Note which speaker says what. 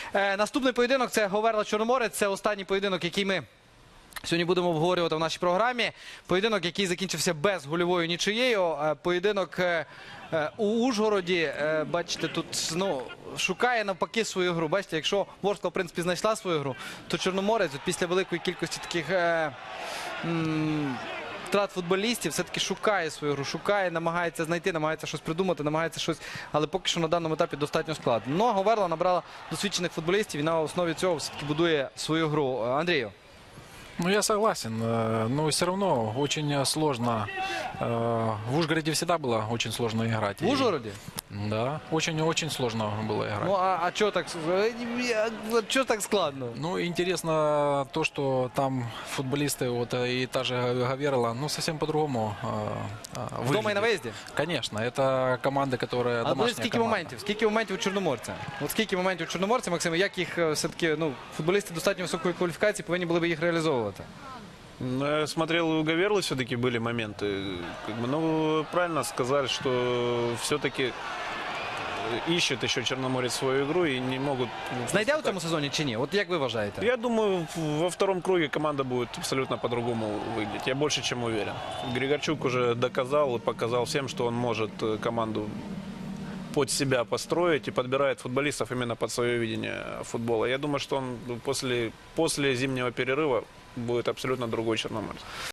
Speaker 1: Наступний поєдинок – це Говерла-Чорноморець. Це останній поєдинок, який ми сьогодні будемо обговорювати в нашій програмі. Поєдинок, який закінчився без гольовою нічиєю. Поєдинок у Ужгороді. Бачите, тут шукає навпаки свою гру. Бачите, якщо Ворскла, в принципі, знайшла свою гру, то Чорноморець після великої кількості таких втрат футболістів все-таки шукає свою гру, шукає, намагається знайти, намагається щось придумати, намагається щось, але поки що на даному етапі достатньо складно. Но Говерла набрала досвідчених футболістів і на основі цього все-таки будує свою гру. Андрію.
Speaker 2: Ну, я согласен, но все равно очень сложно. В Ужгороде всегда было очень сложно играть.
Speaker 1: В Ужгороде?
Speaker 2: Да, очень-очень сложно было играть.
Speaker 1: Ну, а чого так складно?
Speaker 2: Ну, интересно то, что там футболисты, вот и та же Говерла, ну, совсем по-другому
Speaker 1: Вдома і на
Speaker 2: выглядят.
Speaker 1: виїзді?
Speaker 2: Конечно, это команда, которая
Speaker 1: Але
Speaker 2: домашняя
Speaker 1: скільки
Speaker 2: команда.
Speaker 1: моментів? Скільки моментів у Чорноморця? От скільки моментів у Чорноморця, Максим, як їх все-таки, футболісти достатньо високої кваліфікації повинні були б їх реалізовувати?
Speaker 3: Ну, я смотрел, у Гаверлы все-таки были моменты. Ну, правильно сказали, что все-таки ищет еще Черноморец свою игру и не могут...
Speaker 1: Знайде у цьому сезоні чи ні? От як ви вважаєте?
Speaker 3: Я думаю, во втором круге команда будет абсолютно по-другому выглядеть. Я больше чем уверен. Григорчук уже доказал и показал всем, что он может команду под себя построить и подбирает футболистов именно под свое видение футбола. Я думаю, что он после зимнего перерыва будет абсолютно другой Черноморец.